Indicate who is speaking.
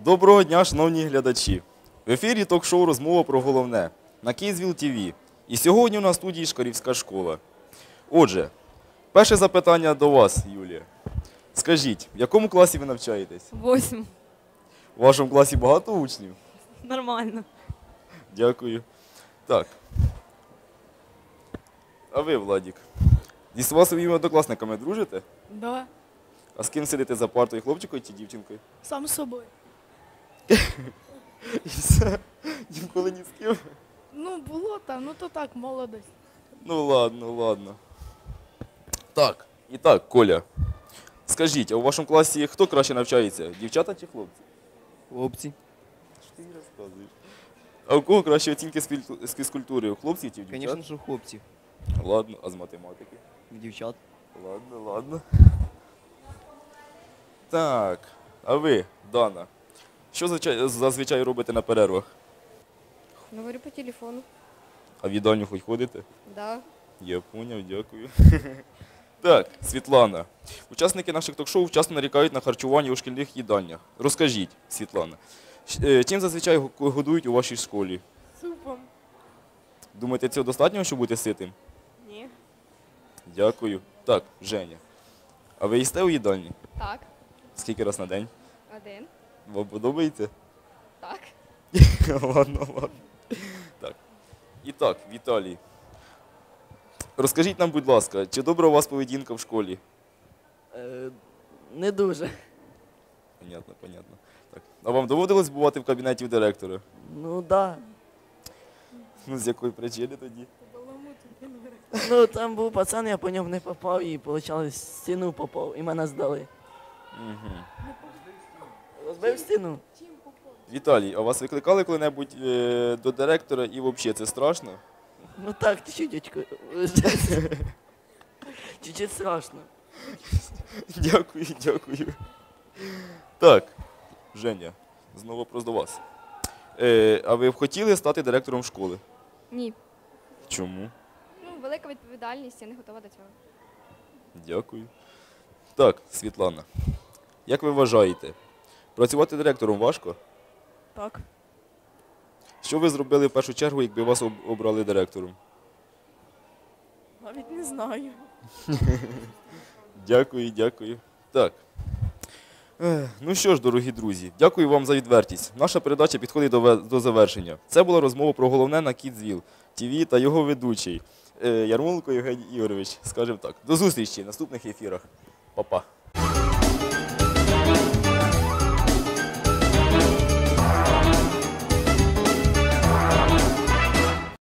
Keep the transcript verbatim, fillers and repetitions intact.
Speaker 1: Доброго дня, шановні глядачі! В ефірі ток-шоу «Розмова про головне» на Київзвіл ТВ. І сьогодні у нас в студії Шкарівська школа. Отже, перше запитання до вас, Юлія. Скажіть, в якому класі ви навчаєтесь?
Speaker 2: Восьм.
Speaker 1: У вашому класі багато учнів?
Speaker 2: Нормально.
Speaker 1: Дякую. Так. А ви, Владік, зі своїми однокласниками дружите?
Speaker 3: Да,
Speaker 1: А з ким сидите за партою, хлопчиком чи дівчинкою?
Speaker 3: сам з собою.
Speaker 1: І все? Ніколи ні з ким?
Speaker 3: Ну, було там, ну то так, молодость.
Speaker 1: Ну ладно, ладно. Так, і так, Коля, скажіть, а у вашому класі хто краще навчається, дівчата чи хлопці?
Speaker 4: Хлопці.
Speaker 1: Що ти мені розказуєш? А у кого кращі оцінки з фільту- з фізкультури, у хлопців чи в дівчат?
Speaker 4: Звісно, що хлопці.
Speaker 1: Ладно, а з математики?
Speaker 4: Дівчат.
Speaker 1: Ладно, ладно. Так, а ви, Дана, що звичай- зазвичай робите на перервах?
Speaker 2: Говорю по телефону.
Speaker 1: А в їдальню хоч ходите?
Speaker 2: Да.
Speaker 1: Я поняв, дякую. Так, Світлана. Учасники наших ток-шоу часто нарікають на харчування у шкільних їдальнях. Розкажіть, Світлана, щ- е, чим зазвичай го- годують у вашій школі?
Speaker 3: Супом.
Speaker 1: Думаєте, цього достатньо, щоб бути ситим?
Speaker 2: Ні.
Speaker 1: Дякую. Так, Женя. А ви їсте у їдальні?
Speaker 2: Так.
Speaker 1: Скільки раз на день?
Speaker 2: Один.
Speaker 1: Вам подобається?
Speaker 2: Так.
Speaker 1: Ладно, ладно. Так. І так, Віталій. Розкажіть нам, будь ласка, чи добра у вас поведінка в школі?
Speaker 4: Е, не дуже.
Speaker 1: Понятно, понятно. Так. А вам доводилось бувати в кабінеті в директора?
Speaker 4: Ну да.
Speaker 1: Ну, з якої причини тоді?
Speaker 4: Ну там був пацан, я по ньому не попав і виходить, стіну попав і мене здали.
Speaker 1: Угу.
Speaker 4: Розбив стіну?
Speaker 1: Віталій, а вас викликали коли-небудь е, до директора і взагалі це страшно?
Speaker 4: Ну так, чуть-чуть. Чуть-чуть страшно.
Speaker 1: Дякую, дякую. Так, Женя, знову вопрос до вас. Е, а ви б хотіли стати директором школи?
Speaker 2: Ні.
Speaker 1: Чому?
Speaker 2: Ну, велика відповідальність, я не готова до цього.
Speaker 1: Дякую. Так, Світлана, як ви вважаєте, працювати директором важко?
Speaker 3: Так.
Speaker 1: Що ви зробили в першу чергу, якби вас об- обрали директором?
Speaker 3: Навіть не знаю.
Speaker 1: Дякую, дякую. Так. Ех, Ну що ж, дорогі друзі, дякую вам за відвертість. Наша передача підходить до, ве- до завершення. Це була розмова про головне на Київзвіл ТВ та його ведучий е, Ярмоленко Євгеній Ігорович. Скажемо так. До зустрічі в наступних ефірах. Па-па.